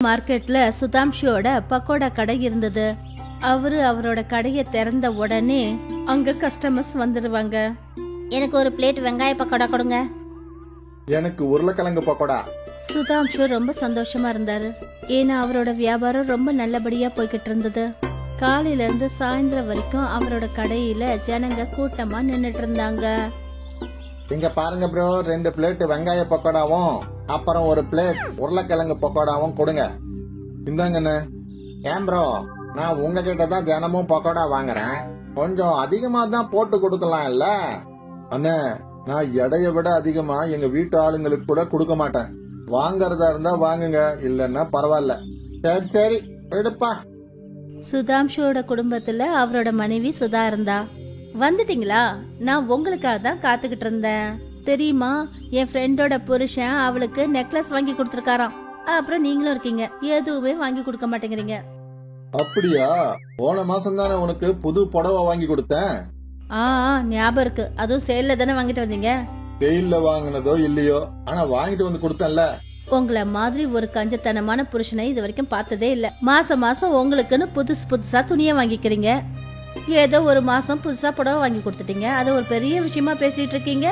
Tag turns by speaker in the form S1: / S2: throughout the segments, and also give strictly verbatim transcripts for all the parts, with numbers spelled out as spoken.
S1: மார்க்கெட்ல சுதாம்ஷியோட பக்கோடா கடை இருந்தது. அவரு அவரோட கடையை திறந்த உடனே அங்க கஸ்டமர்ஸ் வந்துடுவாங்க.
S2: எனக்கு ஒரு பிளேட் வெங்காய பக்கோடா கொடுங்க.
S3: எனக்கு உருளைக்கிழங்கு பக்கோடா.
S1: சுதாம்ஷு ரொம்ப சந்தோஷமா இருந்தாரு. ஏன்னா அவரோட வியாபாரம் ரொம்ப நல்லபடியா போய்கிட்டு இருந்தது. காலையில இருந்து சாயந்தரம் வரைக்கும் அவரோட கடையில ஜனங்க கூட்டமா நின்னுட்டு இருந்தாங்க.
S3: இங்க பாருங்க ப்ரோ, ரெண்டு பிளேட் வெங்காய பக்கோடாவும் அப்புறம் ஒரு பிளேட் உருளைக்கிழங்கு பக்கோடாவும் கொடுங்க. இந்தாங்கண்ணே. ஏன் ப்ரோ, நான் உங்ககிட்ட தான் தினமும் பக்கோடா வாங்குறேன், கொஞ்சம் அதிகமா தான் போட்டு கொடுக்கலாம் இல்ல? அண்ணே, நான் எடையை விட அதிகமா எங்க வீட்டு ஆளுங்களுக்கு கூட கொடுக்க மாட்டேன். வாங்கறதா இருந்தா வாங்குங்க, இல்லன்னா பரவாயில்ல. சரி சரி எடுப்பா.
S1: சுதாம்ஷுவோட குடும்பத்துல அவரோட மனைவி சுதா இருந்தா. வந்துட்டீங்களா? நான் உங்களுக்காக தான் காத்துக்கிட்டு இருந்தேன். தெரியுமா, என் ஃப்ரெண்டோட புருஷன் அவளுக்கு நெக்லஸ் வாங்கி கொடுத்துருக்காராம். அப்புறம் நீங்களும் இருக்கீங்க, எதுவுமே வாங்கி கொடுக்க மாட்டேங்கிறீங்க.
S3: அப்படியா? போன மாசம் தானே உனக்கு புது புடவை வாங்கி கொடுத்தேன்.
S1: ஆ ஞாபகம் இருக்கு. அதுவும் சேல்ல தானே வாங்கிட்டு வந்தீங்க.
S3: வெயில்ல வாங்கினதோ இல்லையோ, ஆனா வாங்கிட்டு வந்து கொடுத்தேன்ல.
S1: உங்களை மாதிரி ஒரு கஞ்சத்தனமான புருஷனை இது வரைக்கும் பார்த்ததே இல்ல. மாசம் மாசம் உங்களுக்குன்னு புதுசு புதுசா துணியை வாங்கிக்கிறீங்க. ஏதோ ஒரு மாசம் புதுசா புடவை வாங்கி கொடுத்துட்டீங்க, அது ஒரு பெரிய விஷயமா பேசிட்டு இருக்கீங்க.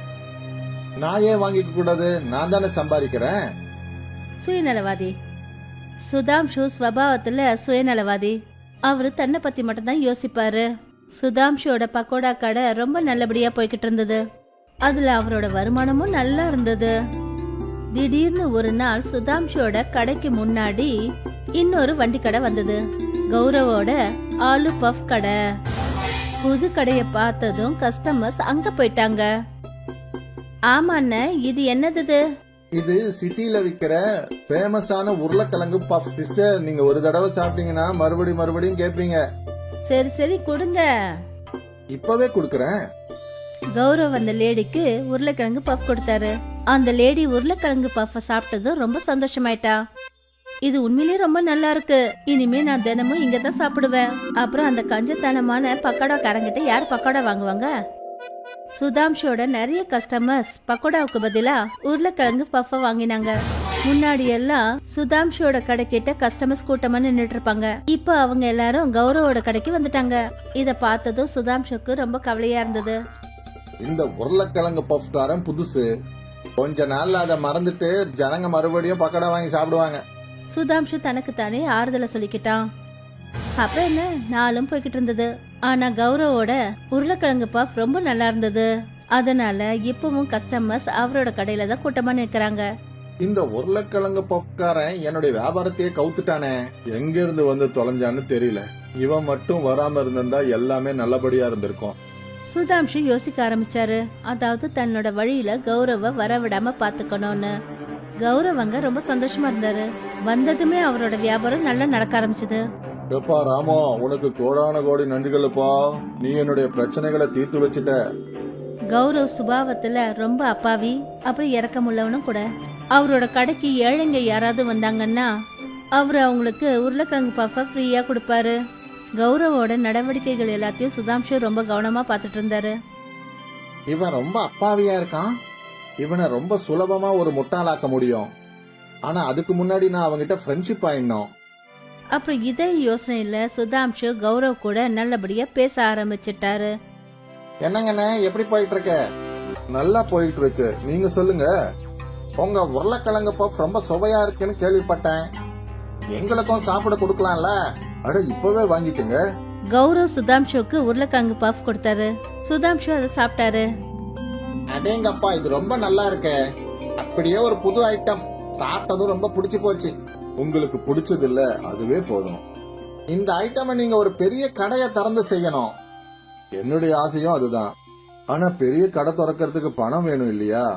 S3: நான் ஏன் வாங்கிக்க கூடாது? நான் தானே சம்பாதிக்கிறேன்.
S1: சுயநலவாதி. சுதாம்ஷு ஸ்வபாவத்துல சுயநலவாதி. அவரு தன்னை பத்தி மட்டும்தான் யோசிப்பாரு. சுதாம்ஷோட பக்கோடா கடை ரொம்ப நல்லபடியா போய்கிட்டு இருந்தது. அதுல அவரோட வருமானமும் நல்லா இருந்தது. திடீர்னு ஒரு நாள் சுதாம்ஷோட கடைக்கு முன்னாடி இன்னொரு வண்டி கடை வந்தது. கௌரவோட ஆலு பஃப் கடை. புது கடைய பார்த்ததும் கஸ்டமர்ஸ் அங்க போயிட்டாங்க. ஆமாண்ண, இது என்னது?
S3: இது சிட்டில விக்கிற ஃபேமஸான உருளைக்கிழங்கு பஃப். சிஸ்டர், நீங்க ஒரு தடவை சாப்பிட்டீங்கன்னா மறுபடி மறுபடியும் கேட்பீங்க.
S1: சரி சரி கொடுங்க.
S3: இப்பவே குடுக்கறேன்.
S1: கௌரவ் அந்த லேடிக்கு உருளைக்கிழங்கு பஃப் கொடுத்தாரு. அந்த லேடி உருளைக்கிழங்கு பஃப் சாப்பிட்டதும் ரொம்ப சந்தோஷமாயிட்டா. இது உண்மையிலேயே ரொம்ப நல்லா இருக்கு, இனிமே நான் தினமும் இங்க தான் சாப்பிடுவேன். அப்புறம் அந்த கஞ்சத்தனமான பக்கோடா காரங்கிட்ட யார் பக்கோடா வாங்குவாங்க? சுதாம்ஷோட நிறைய கஸ்டமர்ஸ் பக்கோடாவுக்கு பதிலா உருளைக்கிழங்கு பஃப் வாங்கினாங்க. முன்னாடி எல்லாம் சுதாம்ஷோட கடைக்கிட்ட கஸ்டமர்ஸ் கூட்டமா நின்னுட்டு இருப்பாங்க. இப்ப அவங்க எல்லாரும் கௌரவோட கடைக்கு வந்துட்டாங்க. இத பார்த்ததும் சுதாம்ஷுக்கு ரொம்ப கவலையா இருந்தது.
S3: இந்த உருளைக்கிழங்கு பஃப் காரன் புதுசு, கொஞ்ச நாள்ல அதை மறந்துட்டு ஜனங்க மறுபடியும் பக்கோடா வாங்கி சாப்பிடுவாங்க.
S1: சுதாம்ஷு தனக்கு தானே ஆறுதலை சொல்லிக்கிட்டான். அப்புறம் என்ன, நாளும் போய்கிட்டு இருந்தது. ஆனா கௌரவோட உருளைக்கிழங்கு பஃப் ரொம்ப நல்லா இருந்தது. அதனால இப்பவும் கஸ்டமர்ஸ் அவரோட கடையில தான் கூட்டமா நிக்கிறாங்க.
S3: இந்த உருளைக்கிழங்கு பஃப்காரன் என்னுடைய வியாபாரத்தையே கவுத்துட்டானே, எங்க இருந்து வந்து தொலைஞ்சான்னு தெரியல. இவன் மட்டும் வராம இருந்திருந்தா எல்லாமே நல்லபடியா இருந்திருக்கும்.
S1: சுதாம்ஷு யோசிக்க ஆரம்பிச்சாரு. அதாவது தன்னோட வழியில கௌரவ வரவிடாம பாத்துக்கணும்னு. கௌரவங்க ரொம்ப சந்தோஷமா இருந்தாரு. வந்ததுமே அவரோட வியாபாரம் நல்லா நடக்க ஆரம்பிச்சது.
S3: எப்பா ராமோ, உனக்கு கோடான கோடி நன்றிகளுப்பா, நீ என்னுடைய பிரச்சனைகளை தீர்த்து வச்சுட்ட.
S1: கௌரவ் சுபாவத்துல ரொம்ப அப்பாவி, அப்புறம் இறக்கமுள்ளவனும் கூட. அவரோட கடைக்கு ஏழைங்க யாராவது வந்தாங்கன்னா அவரு அவங்களுக்கு உருளைக்கிழங்கு பஃப ஃப்ரீயா கொடுப்பாரு. கௌரவோட நடவடிக்கைகள் எல்லாத்தையும் சுதாம்ஷு ரொம்ப கவனமா பாத்துட்டு இருந்தாரு.
S3: இவன் ரொம்ப அப்பாவியா இருக்கான், இவனை ரொம்ப சுலபமா ஒரு முட்டாளாக்க முடியும். ஆனா அதுக்கு முன்னாடி நான் அவங்கிட்ட ஃப்ரெண்ட்ஷிப் ஆயிடணும்.
S1: அப்புறம் இதே யோசனையில சுதாம்ஷு கௌரவ் கூட நல்லபடியா பேச ஆரம்பிச்சிட்டாரு.
S3: என்னங்கண்ணே, எப்படி போயிட்டு இருக்க? நல்லா போயிட்டு இருக்கு, நீங்க சொல்லுங்க. உங்க உருளைக்கிழங்கு பஃப் ரொம்ப சுவையா இருக்குன்னு கேள்விப்பட்டேன், எங்களுக்கும் சாப்பிட கொடுக்கலாம்ல? அட இப்பவே வாங்கிக்கங்க.
S1: கௌரவ் சுதாம்ஷுக்கு உருளைக்கிழங்கு பஃப் கொடுத்தாரு. சுதாம்ஷு அதை சாப்பிட்டாரு.
S3: அடேங்கப்பா, இது ரொம்ப நல்லா இருக்கு. அப்படியே ஒரு புது ஐட்டம், சாப்பிட்டதும் ரொம்ப பிடிச்சு போச்சு. உங்களுக்கு பிடிச்சது இல்ல, அதுவே போதும். இந்த ஐட்டம் நீங்க ஒரு பெரிய கடையை திறந்து செய்யணும். என்னுடைய ஆசையும் அதுதான். ஆனா பெரிய கடை திறக்கிறதுக்கு பணம் வேணும் இல்லையா?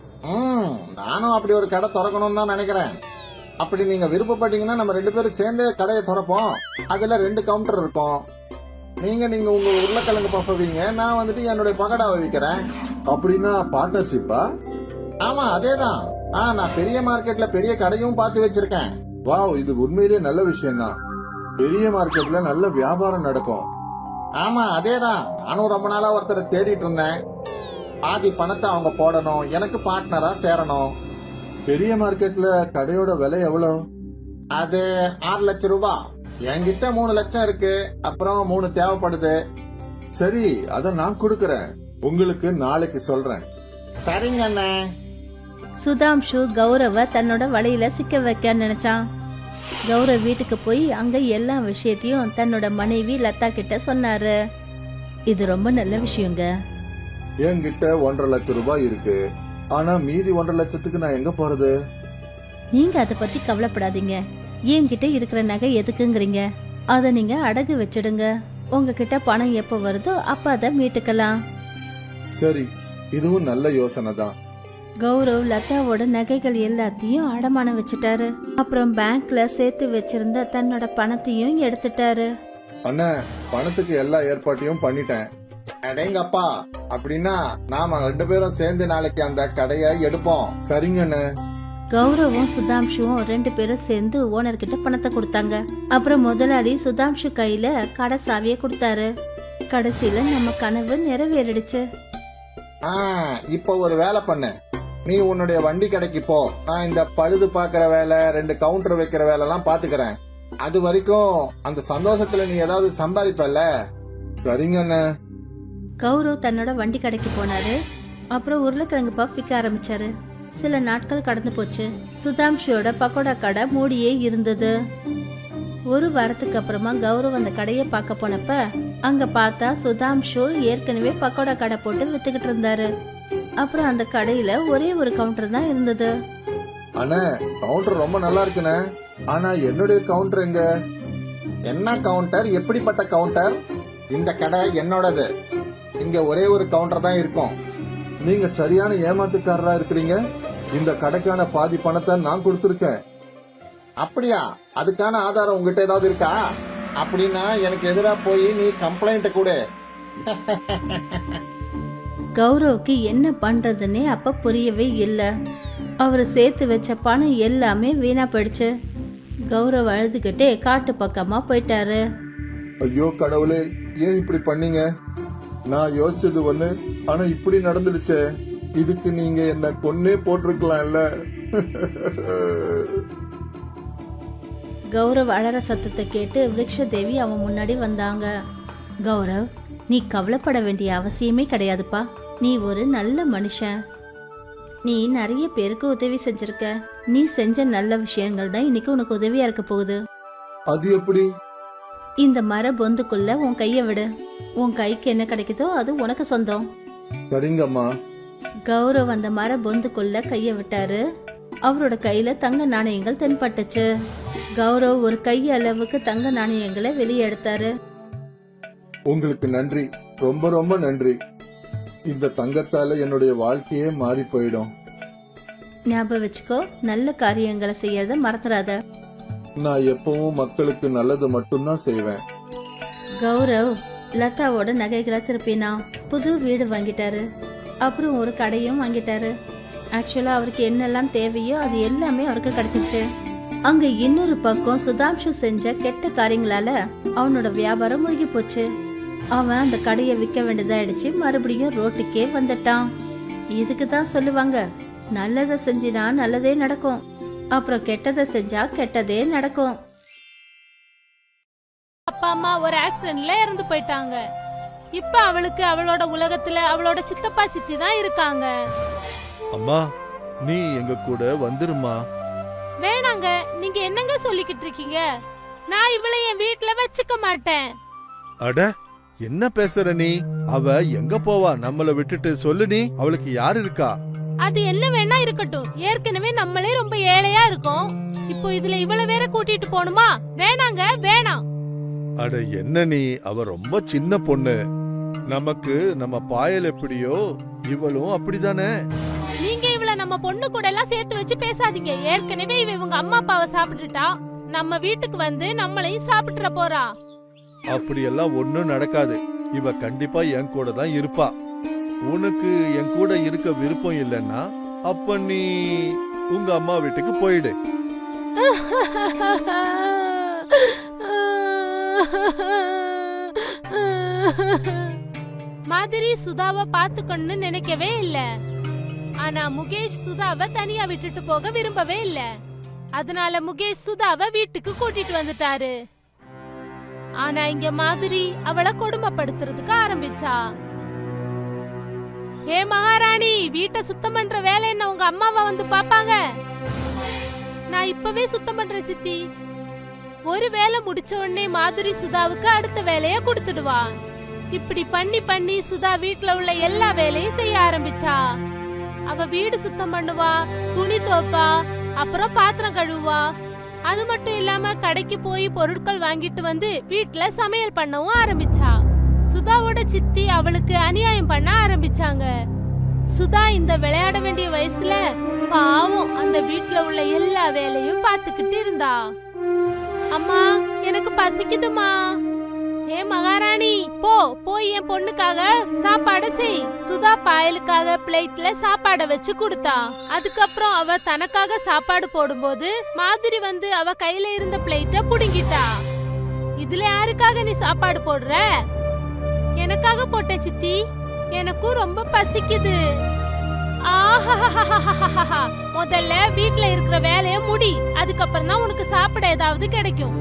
S3: ம் நானும் அப்படி ஒரு கடை திறக்கணும்னு தான் நினைக்கிறேன். அப்படி நீங்க விருப்பப்பட்டீங்கன்னா நம்ம ரெண்டு பேரும் சேர்ந்து கடையை திறப்போம். அதுல ரெண்டு கவுண்டர் இருக்கும். நீங்க நீங்க உங்க உருளைக்கிழங்கு பஃப் வைங்க, நான் வந்துட்டு என்னுடைய பகடாவை விற்கிறேன். அப்படின்னா பார்ட்னர்ஷிப்பா? ஆமா அதேதான். ஆ நான் பெரிய மார்க்கெட்ல பெரிய கடையும் பார்த்து வச்சிருக்கேன். வாவ், இது உண்மையிலேயே நல்ல விஷயம் தான். பெரிய மார்க்கெட்ல நல்ல வியாபாரம் நடக்கும். ஆமா அதேதான், நானும் ரொம்ப நாளா ஒருத்தரை தேடிட்டு இருந்தேன். பாதி பணத்தை அவங்க போடணும், எனக்கு பார்ட்னரா சேரணும். பெரிய மார்க்கெட்ல கடையோட விலை எவ்வளவு? அது ஆறு லட்சம் ரூபாய். என்கிட்ட மூணு லட்சம் இருக்கு, அப்புறம் மூணு தேவைப்படுது. சரி, அத நான் கொடுக்கறேன். உங்களுக்கு நாளைக்கு சொல்றேன். சரிங்க அண்ணே.
S1: சுதாம்ஷு கௌரவ தன்னோட வலையில சிக்க வைக்க நினைச்சான். கௌரவ் வீட்டுக்கு போய் அங்க எல்லா விஷயத்தையும் தன்னோட மனைவி லதா கிட்ட சொன்னாரு. இது ரொம்ப நல்ல விஷயங்க.
S3: என்கிட்ட ஒன்றரை லட்சம் ரூபாய் இருக்கு, ஆனா மீதி ஒன்றரை லட்சத்துக்கு நான் எங்க போறது?
S1: நீங்க அத பத்தி கவலைப்படாதீங்க. என்கிட்ட இருக்கிற நகை எதுக்குங்கிறீங்க? அத நீங்க அடகு வச்சிடுங்க. உங்ககிட்ட பணம் எப்ப வருதோ அப்ப அத மீட்டுக்கலாம்.
S3: சரி, இதுவும் நல்ல யோசனை தான்.
S1: கௌரவ் லதாவோட நகைகள் எல்லாத்தையும் அடமானம் வச்சுட்டாரு. அப்புறம் பேங்க்ல சேர்த்து வச்சிருந்த தன்னோட பணத்தையும் எடுத்துட்டாரு.
S3: அண்ணா, பணத்துக்கு எல்லா ஏற்பாட்டையும் பண்ணிட்டேன். அடேங்கப்பா, அப்படின்னா நாம ரெண்டு பேரும் சேர்ந்து நாளைக்கு அந்த கடையை எடுப்போம். சரிங்க அண்ணே.
S1: கௌரவும் சுதாம்ஷுவும் ரெண்டு பேரும் சேர்ந்து ஓனர் கிட்ட பணத்தை கொடுத்தாங்க. அப்புறம் முதலாளி சுதாம்ஷு கையில கடை சாவியை கொடுத்தாரு. கடைசியில நம்ம கனவு நிறைவேறிடுச்சு.
S3: ஆ, இப்போ ஒரு வேலை பண்ணு. நீ உன்னுடைய வண்டி கடைக்கு போ. நான் இந்த பழுது பாக்குற வேலை, ரெண்டு கவுண்டர் வைக்கிற வேலை எல்லாம் பாத்துக்கிறேன். அது வரைக்கும் அந்த சந்தோஷத்துல நீ ஏதாவது சம்பாதிப்பல்ல. சரிங்க அண்ணே.
S1: கௌரவ் தன்னோட வண்டி கடைக்கு போனாரு. அப்புறம் உருளைக்கிழங்கு பஃப் விற்க ஆரம்பிச்சாரு. சில நாட்கள் கடந்து போச்சு. சுதாம்ஷியோட பக்கோடா கடை மூடியே இருந்தது. ஒரு வாரத்துக்கு அப்புறமா கௌரவ் அந்த கடையை பார்க்க போனப்ப அங்க பார்த்தா சுதாம்ஷு ஏற்கனவே பக்கோடா கடை போட்டு வித்துக்கிட்டு இருந்தாரு. அப்புறம் அந்த கடையில ஒரே ஒரு கவுண்டர் தான் இருந்தது.
S3: அண்ணே, கவுண்டர் ரொம்ப நல்லா இருக்குண்ணே. ஆனா என்னுடைய கவுண்டர் எங்க? என்ன கவுண்டர்? எப்படிப்பட்ட கவுண்டர்? இந்த கடை என்னோடது. இங்க ஒரே ஒரு கவுண்டர் தான் இருக்கும். நீங்க சரியான ஏமாத்துக்காரரா இருக்கிறீங்க. இந்த கடைக்கான பாதி பணத்தை நான் கொடுத்துருக்கேன். அப்படியா? அதுக்கான ஆதாரம் உங்ககிட்ட ஏதாவது இருக்கா? அப்படின்னா எனக்கு எதிரா போய் நீ கம்ப்ளைண்ட் கொடு.
S1: கௌரவுக்கு என்ன பண்றதுன்னே அப்ப புரியவே இல்ல. அவரு சேர்த்து வச்ச பணம் எல்லாமே வீணா போயிடுச்சு. கௌரவ் அழுதுகிட்டே காட்டு பக்கமா போயிட்டாரு.
S3: ஐயோ கடவுளே, ஏன் இப்படி பண்ணீங்க? நான் யோசிச்சது ஒண்ணு, ஆனா இப்படி நடந்துடுச்சே. இதுக்கு நீங்க என்ன கொன்னே போட்டிருக்கலாம்ல.
S1: கௌரவ் அழற சத்தத்தை கேட்டு விருக்ஷதேவி அவன் முன்னாடி வந்தாங்க. கௌரவ், நீ கவலைப்பட வேண்டிய அவசியமே கிடையாதுப்பா. நீ ஒரு நல்ல மனுஷன். நீ நிறைய பேருக்கு உதவி செஞ்சிருக்க. நீ செஞ்ச நல்ல விஷயங்கள் தான் இன்னைக்கு உனக்கு உதவியா இருக்க போகுது.
S3: அது எப்படி?
S1: இந்த மர பொந்துக்குள்ள உன் கைய விடு. உன் கைக்கு என்ன கிடைக்குதோ அது உனக்கு சொந்தம்.
S3: சரிங்கம்மா.
S1: கௌரவ் அந்த மர பொந்துக்குள்ள கைய விட்டாரு. அவரோட கையில தங்க நாணயங்கள் தென்பட்டுச்சு. கௌரவ் ஒரு கை அளவுக்கு தங்க நாணயங்களை வெளியே எடுத்தாரு.
S3: உங்களுக்கு நன்றி, ரொம்ப ரொம்ப நன்றி. இந்த தங்கத்தால என்னுடைய வாழ்க்கையே மாறி போயிடும்.
S1: ஞாபகம் வச்சுக்கோ, நல்ல காரியங்களை செய்யறத மறந்துடாத.
S3: நான் எப்பவும் மக்களுக்கு நல்லது மட்டும்தான் செய்வேன்.
S1: கௌரவ் லதாவோட நகைகளை திருப்பினா. புது வீடு வாங்கிட்டாரு. அப்புறம் ஒரு கடையும் வாங்கிட்டாரு. ஆக்சுவலா அவருக்கு என்னெல்லாம் தேவையோ அது எல்லாமே அவருக்கு கிடைச்சிருச்சு. அங்க இன்னொரு பக்கம் சுதாம்ஷு செஞ்ச கெட்ட காரியங்களால அவனோட வியாபாரம் முழுகி போச்சு. அவன் அந்த கடையை விற்க வேண்டியதாயிடுச்சு. மறுபடியும் ரோட்டுக்கே வந்துட்டான். இதுக்கு தான் சொல்லுவாங்க, நல்லதை செஞ்சினா நல்லதே நடக்கும், அப்புறம் கெட்டதை செஞ்சா கெட்டதே நடக்கும்.
S4: அப்பா அம்மா ஒரு ஆக்சிடென்ட்ல இறந்து போயிட்டாங்க. இப்ப அவளுக்கு அவளோட உலகத்துல அவளோட சித்தப்பா சித்தி தான் இருக்காங்க.
S5: அம்மா, நீ எங்க கூட வந்துருமா.
S4: வேணாங்க, நீங்க என்னங்க சொல்லிக்கிட்டு இருக்கீங்க? நான் இவளை என் வீட்டுல வச்சுக்க மாட்டேன்.
S5: அட, என்ன பேசுற நீ? அவ எங்க போவா நம்மள விட்டுட்டு? சொல்லு, நீ அவளுக்கு யாரு இருக்கா?
S4: அது என்ன வேணா இருக்கட்டும். ஏற்கனவே நம்மளே ரொம்ப ஏழையா இருக்கோம். இப்போ இதுல இவளை வேற கூட்டிட்டு போணுமா? வேணாங்க, வேணாம்.
S5: அட என்ன நீ, அவ ரொம்ப சின்ன பொண்ணு. நமக்கு நம்ம பாயல் எப்படியோ இவளும் அப்படிதானே.
S4: நீங்க இவள நம்ம பொண்ணு கூட எல்லாம் சேர்த்து வச்சு பேசாதீங்க. ஏற்கனவே இவ இவங்க அம்மா அப்பாவை சாப்பிட்டுட்டா. நம்ம வீட்டுக்கு வந்து நம்மளையும் சாப்பிட்டுற போறா.
S5: அப்படியெல்லாம் ஒண்ணும் நடக்காது. இவ கண்டிப்பா என் கூட தான் இருப்பா. உனக்கு என் கூட இருக்க விருப்பம் இல்லைன்னா அப்ப நீ உங்க அம்மா வீட்டுக்கு போயிடு.
S4: மாதிரி சுதாவை பாத்துக்கணும்னு நினைக்கவே இல்ல. ஆனா முகேஷ் சுதாவை தனியா விட்டுட்டு போக விரும்பவே இல்ல. அதனால முகேஷ் சுதாவை வீட்டுக்கு கூட்டிட்டு வந்துட்டாரு. ஆனா இங்க மாதுரி அவளை கொடுமைப்படுத்துறதுக்கு ஆரம்பிச்சா. ஏ மகாராணி, வீட்டை சுத்தம் பண்ற வேலை என்ன உங்க அம்மாவா வந்து பாப்பாங்க? நான் இப்பவே சுத்தம் பண்றேன் சித்தி. ஒரு வேலை முடிச்ச உடனே மாதுரி சுதாவுக்கு அடுத்த வேலைய கொடுத்துடுவா. இப்படி பண்ணி பண்ணி சுதா வீட்டுல உள்ள எல்லா வேலையும் செய்ய ஆரம்பிச்சா. அவ வீடு சுத்தம் பண்ணுவா, துணி துவைப்பா, அப்புறம் பாத்திரம் கழுவுவா. அது மட்டும் இல்லாம கடைக்கு போய் பொருட்கள் வாங்கிட்டு வந்து வீட்டுல சமையல் பண்ணவும் ஆரம்பிச்சா. சுதாவோட சித்தி அவளுக்கு அநியாயம் பண்ண ஆரம்பிச்சாங்க. சுதா இந்த விளையாட வேண்டிய வயசுல பாவம் அந்த வீட்டுல உள்ள எல்லா வேலையும் பாத்துக்கிட்டு இருந்தா. அம்மா, எனக்கு பசிக்குதுமா. ஏ மகாராணி, போ போய் என் பொண்ணுக்காக சாப்பாடு செய். சுதா பாயலுக்காக பிளேட்ல சாப்பாட வச்சு கொடுத்தா. அதுக்கப்புறம் அவ தனக்காக சாப்பாடு போடும்போது மாதுரி வந்து அவ கையில இருந்த பிளேட்ட புடுங்கிட்டா. இதுல யாருக்காக நீ சாப்பாடு போடுற? எனக்காக போட்டேன் சித்தி, எனக்கும் ரொம்ப பசிக்குது. ஆஹா, முதல்ல வீட்ல இருக்கிற வேலைய முடி, அதுக்கப்புறம் தான் உனக்கு சாப்பிட ஏதாவது கிடைக்கும்.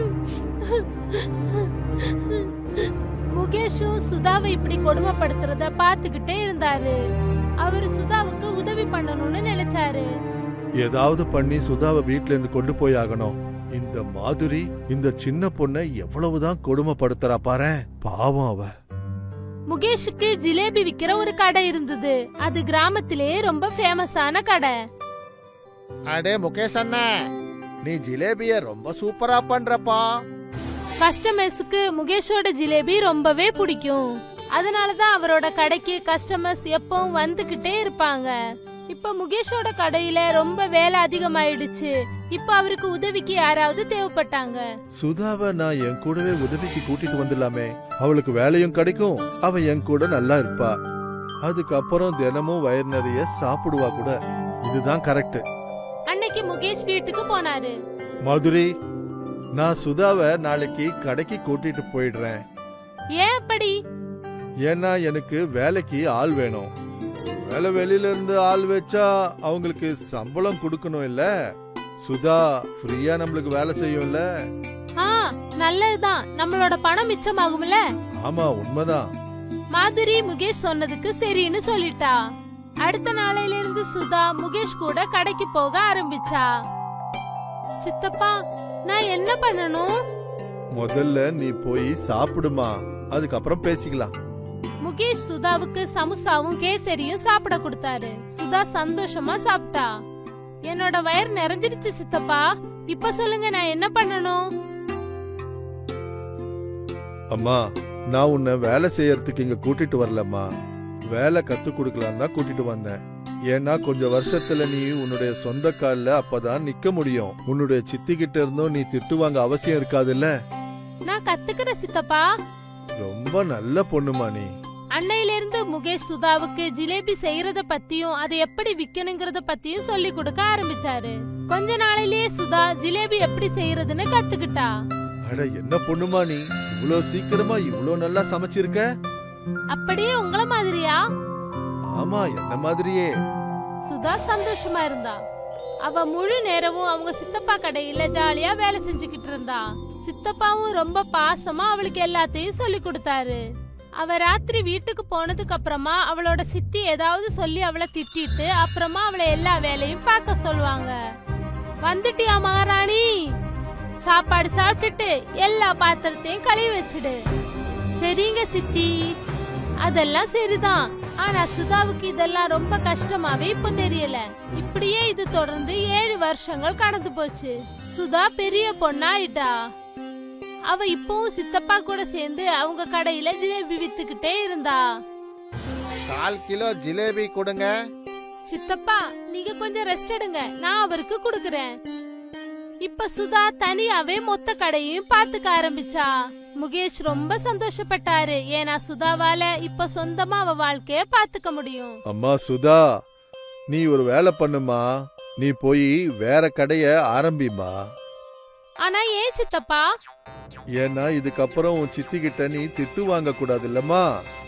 S4: முகேஷும் சுதாவை இப்படி கொடுமைப்படுத்துறத பாத்துக்கிட்டே இருந்தாரு. அவரு சுதாவுக்கு உதவி பண்ணணும்னு நினைச்சாரு.
S5: ஏதாவது பண்ணி சுதாவை வீட்ல இருந்து கொண்டு போய் ஆகணும். இந்த மாதுரி இந்த சின்ன பொண்ணை எவ்வளவுதான் கொடுமைப்படுத்துறா பாரு, பாவம் அவ.
S4: முகேஷுக்கு ஜிலேபி விக்கிற ஒரு கடை இருந்தது. அது கிராமத்திலே ரொம்ப ஃபேமஸான கடை.
S3: அடே முகேஷ் அண்ணா, நீ ஜிலேபிய ரொம்ப சூப்பரா பண்றப்பா.
S4: கஸ்டமர்ஸுக்கு முகேஷோட ஜிலேபி ரொம்பவே பிடிக்கும். அதனாலதான் அவரோட கடைக்கு கஸ்டமர்ஸ் எப்பவும் வந்துகிட்டே இருப்பாங்க. இப்ப முகேஷோட கடையில ரொம்ப வேலை அதிகமாயிடுச்சு. இப்ப அவருக்கு உதவிக்கு யாராவது தேவைப்பட்டாங்க.
S5: சுதாவை நான் என் கூடவே உதவிக்கு கூட்டிட்டு வந்துடலாமே, அவளுக்கு வேலையும் கிடைக்கும், அவ என் கூட நல்லா இருப்பா, அதுக்கப்புறம் தினமும் வயிறு நிறைய சாப்பிடுவா கூட. இதுதான் கரெக்ட்.
S4: அன்னைக்கு முகேஷ் வீட்டுக்கு போனாரு.
S5: மாதுரி, நான் சுதாவை நாளைக்கு கடைக்கு கூட்டிட்டு போயிடுறேன்.
S4: ஏன் அப்படி?
S5: ஏன்னா எனக்கு வேலைக்கு ஆள் வேணும். வேலை வெளியில இருந்து ஆள் வச்சா அவங்களுக்கு சம்பளம் கொடுக்கணும் இல்ல. சுதா ஃப்ரீயா நம்மளுக்கு வேலை செய்யும்ல.
S4: ஆ, நல்லதுதான், நம்மளோட பணம் மிச்சமாகும்ல.
S5: ஆமா, உண்மைதான்.
S4: மாதுரி முகேஷ் சொன்னதுக்கு சரின்னு சொல்லிட்டா. அடுத்த நாளையில இருந்து சுதா முகேஷ் கூட கடைக்கு போக ஆரம்பிச்சா. சித்தப்பா, நான் என்ன பண்ணணும்?
S5: முதல்ல நீ போய் சாப்பிடுமா, அதுக்கப்புறம் பேசிக்கலாம்.
S4: முகேஷ் சுதாவுக்கு சமுசாவும் கேசரியும் சாப்பிட கொடுத்தாரு. சுதா சந்தோஷமா சாப்பிட்டா. என்னோட வயிறு நிறைஞ்சிடுச்சு சித்தப்பா, இப்ப சொல்லுங்க நான் என்ன பண்ணணும்?
S5: அம்மா, நான் உன்னை வேலை செய்யறதுக்கு இங்க கூட்டிட்டு வரலம்மா, வேலை கத்து கொடுக்கலாம் தான் கூட்டிட்டு வந்தேன். ஏன்னா கொஞ்சம் வருஷத்துல நீ உன்னுடைய சொந்த கால்ல அப்பதான் நிக்க முடியும். உன்னுடைய சித்தி கிட்ட இருந்தும் நீ திட்டு வாங்க அவசியம் இருக்காதுல்ல.
S4: நான் கத்துக்கிறேன் சித்தப்பா.
S5: ரொம்ப நல்ல பொண்ணுமா நீ.
S4: அன்னையில இருந்து முகேஷ் சுதாவுக்கு ஜிலேபி செய்யறத பத்தியும் அதை எப்படி விக்கணுங்கிறத பத்தியும் சொல்லி கொடுக்க ஆரம்பிச்சாரு. கொஞ்ச நாளிலேயே சுதா ஜிலேபி எப்படி செய்யறதுன்னு கத்துக்கிட்டா.
S5: அட, என்ன பொண்ணுமா நீ, இவ்வளவு சீக்கிரமா இவ்வளவு நல்லா சமைச்சிருக்க.
S4: அப்படியே உங்கள மாதிரியா?
S5: ஆமா, என்ன மாதிரியே.
S4: சுதா சந்தோஷமா இருந்தா. அவ முழு நேரமும் அவங்க சித்தப்பா கடையில ஜாலியா வேலை செஞ்சுக்கிட்டு இருந்தா. சித்தப்பாவும் ரொம்ப பாசமா அவளுக்கு எல்லாத்தையும் சொல்லி கொடுத்தாரு. அவ ராத்திரி வீட்டுக்கு போனதுக்கு அப்புறமா அவளோட சித்தி ஏதாவது சொல்லி அவளை திட்டிட்டு அப்புறமா அவளை எல்லா வேலையும் பார்க்க சொல்லுவாங்க. வந்துட்டியா மகாராணி? சாப்பாடு சாப்பிட்டுட்டு எல்லா பாத்திரத்தையும் கழுவி வச்சிடு. சரிங்க சித்தி. அதெல்லாம் சரிதான், ஆனா சுதாவுக்கு இதெல்லாம் ரொம்ப கஷ்டமாவே இப்ப தெரியல. இப்படியே இது தொடர்ந்து ஏழு வருஷங்கள் கடந்து போச்சு. சுதா பெரிய பொண்ணாயிட்டா. அவ இப்பவும் சித்தப்பா கூட சேர்ந்து அவங்க கடையில ஜிலேபி வித்துக்கிட்டே இருந்தா.
S3: கால் கிலோ ஜிலேபி கொடுங்க.
S4: சித்தப்பா, நீங்க கொஞ்சம் ரெஸ்ட் எடுங்க, நான் அவருக்கு குடுக்கறேன். இப்ப சுதா தனியாவே மொத்த கடையும் பாத்துக்க ஆரம்பிச்சா. முகேஷ் ரொம்ப சந்தோஷப்பட்டாரு. ஏன்னா சுதாவால இப்ப சொந்தமா அவ வாழ்க்கைய பாத்துக்க முடியும்.
S5: அம்மா சுதா, நீ ஒரு வேலை பண்ணுமா, நீ போய் வேற கடைய ஆரம்பிமா.
S4: ஆனா ஏன் சித்தப்பா?
S5: ஏன்னா இதுக்கப்புறம் உன் சித்தி கிட்ட நீ திட்டு வாங்க கூடாது இல்லம்மா.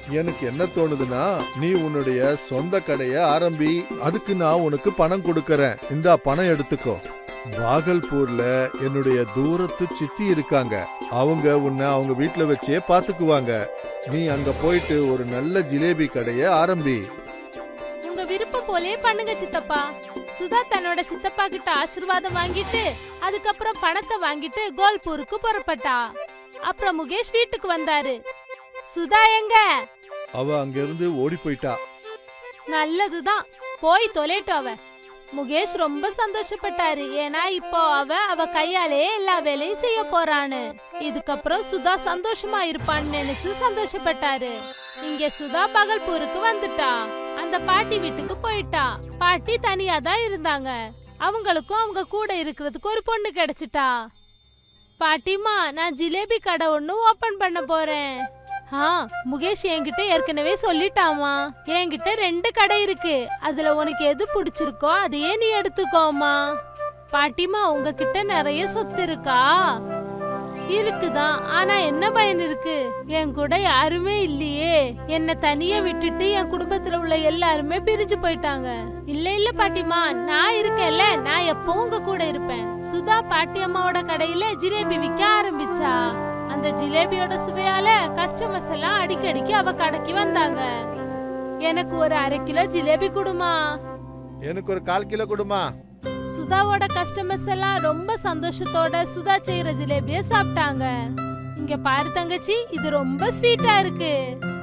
S5: எனக்கு என்ன தோணுதுன்னா நீ உன்னுடைய சொந்த கடைய ஆரம்பி. அதுக்கு நான் உனக்கு பணம் கொடுக்கறேன். இந்தா பணம் எடுத்துக்கோ. பாகல்பூர்ல என்னுடைய தூரத்து சித்தி இருக்காங்க. அவங்க உன்னை அவங்க வீட்டுல வச்சே பாத்துக்குவாங்க. நீ அங்க போயிட்டு ஒரு நல்ல ஜிலேபி கடைய ஆரம்பி.
S4: உங்க விருப்பம் போலே பண்ணுங்க சித்தப்பா. சுதா தன்னோட சித்தப்பா கிட்ட ஆசீர்வாதம் வாங்கிட்டு அதுக்கப்புறம் பணத்தை வாங்கிட்டு கோல்பூருக்கு புறப்பட்டா. அப்புறம் முகேஷ் வீட்டுக்கு வந்தாரு. சுதா எங்க?
S5: அவ அங்கிருந்து ஓடி போயிட்டா.
S4: நல்லதுதான், போய் தொலைட்டு அவ. முகேஷ் ரொம்ப சந்தோஷப்பட்டாரு. ஏன்னா இப்போ அவ அவ கையாலே எல்லா வேலையும் செய்ய போறான்னு. இதுக்கப்புறம் சுதா சந்தோஷமா இருப்பான்னு நினைச்சு சந்தோஷப்பட்டாரு. இங்க சுதா பகல்பூருக்கு வந்துட்டா. அந்த பாட்டி வீட்டுக்கு போயிட்டா. பாட்டி தனியா தான் இருந்தாங்க. அவங்களுக்கும் அவங்க கூட இருக்கிறதுக்கு ஒரு பொண்ணு கிடைச்சிட்டா. பாட்டிமா, நான் ஜிலேபி கடை ஒண்ணு ஓபன் பண்ண போறேன். ஆ, முகேஷ் என்கிட்ட ஏற்கனவே சொல்லிட்டாமா. என்கிட்ட ரெண்டு கடை இருக்கு. அதுல உனக்கு எது பிடிச்சிருக்கோ அதையே நீ எடுத்துக்கோமா. பாட்டிமா, உங்ககிட்ட நிறைய சொத்து இருக்கா? இருக்குதான். ஆனா என்ன பயன் இருக்கு? என் கூட யாருமே இல்லையே. என்ன தனியா விட்டுட்டு என் குடும்பத்துல உள்ள எல்லாருமே பிரிஞ்சு போயிட்டாங்க. இல்ல இல்ல பாட்டிமா, நான் இருக்கேன்ல, நான் எப்பவும் உங்க கூட இருப்பேன். சுதா பாட்டி அம்மாவோட கடையில ஜிலேபி விற்க ஆரம்பிச்சா. அந்த ஜிலேபியோட சுவையால கஸ்டமர்ஸ் எல்லாம் அடிக்கடிக்கு அவ கடைக்கு வந்தாங்க. எனக்கு ஒரு அரை கிலோ ஜிலேபி கொடுமா.
S5: எனக்கு ஒரு கால் கிலோ கொடுமா.
S4: சுதாவோட கஸ்டமர்ஸ் எல்லாம் ரொம்ப சந்தோஷத்தோட சுதா செய்யற ஜிலேபிய சாப்பிட்டாங்க. இங்க பாரு தங்கச்சி, இது ரொம்ப ஸ்வீட்டா இருக்கு.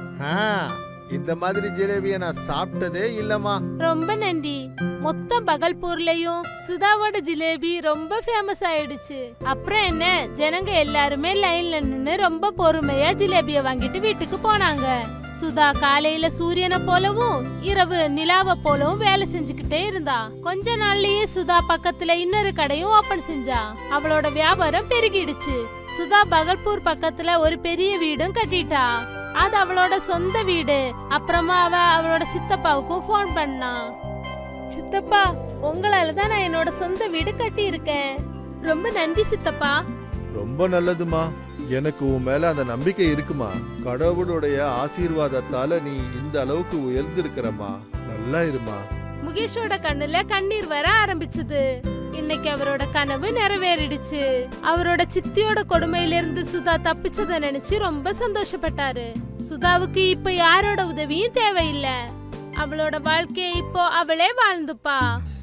S5: இந்த மாதிரி ஜிலேபிய நான் சாப்பிட்டதே இல்லம்மா.
S4: ரொம்ப நன்றி. மொத்த பகல்பூர்லயும் சுதாவோட ஜிலேபி ரொம்ப ஃபேமஸ் ஆயிடுச்சு. அப்புறம் என்ன, ஜனங்க எல்லாருமே லைன்ல நின்னு ரொம்ப பொறுமையா ஜிலேபிய வாங்கிட்டு வீட்டுக்கு போனாங்க. சுதா காலையில சூரியனை போலவும் இரவு நிலாவை போலவும் வேலை செஞ்சுக்கிட்டே இருந்தா. கொஞ்ச நாள்லயே சுதா பக்கத்துல இன்னொரு கடையும் ஓபன் செஞ்சா. அவளோட வியாபாரம் பெருகிடுச்சு. சுதா பகல்பூர் பக்கத்துல ஒரு பெரிய வீடும் கட்டிட்டா. அது அவளோட சொந்த வீடு. அப்புறமா அவ அவளோட சித்தப்பாவுக்கும் போன் பண்ணா. சித்தப்பா, உங்களால தான் நான் என்னோட சொந்த வீடு கட்டி இருக்கேன். ரொம்ப நன்றி சித்தப்பா.
S5: ரொம்ப நல்லதுமா. எனக்கு உன் மேல அந்த நம்பிக்கை இருக்குமா. கடவுளுடைய ஆசீர்வாதத்தால நீ இந்த அளவுக்கு உயர்ந்திருக்கிறமா. நல்லா இருமா.
S4: முகேஷோட கண்ணுல கண்ணீர் வர ஆரம்பிச்சது. இன்னைக்கு அவரோட கனவு நிறைவேறிடுச்சு. அவரோட சித்தியோட கொடுமையில இருந்து சுதா தப்பிச்சத நினைச்சு ரொம்ப சந்தோஷப்பட்டாரு. சுதாவுக்கு இப்ப யாரோட உதவியும் தேவையில்லை. அவளோட வாழ்க்கையை இப்போ அவளே வாழ்ந்துப்பா.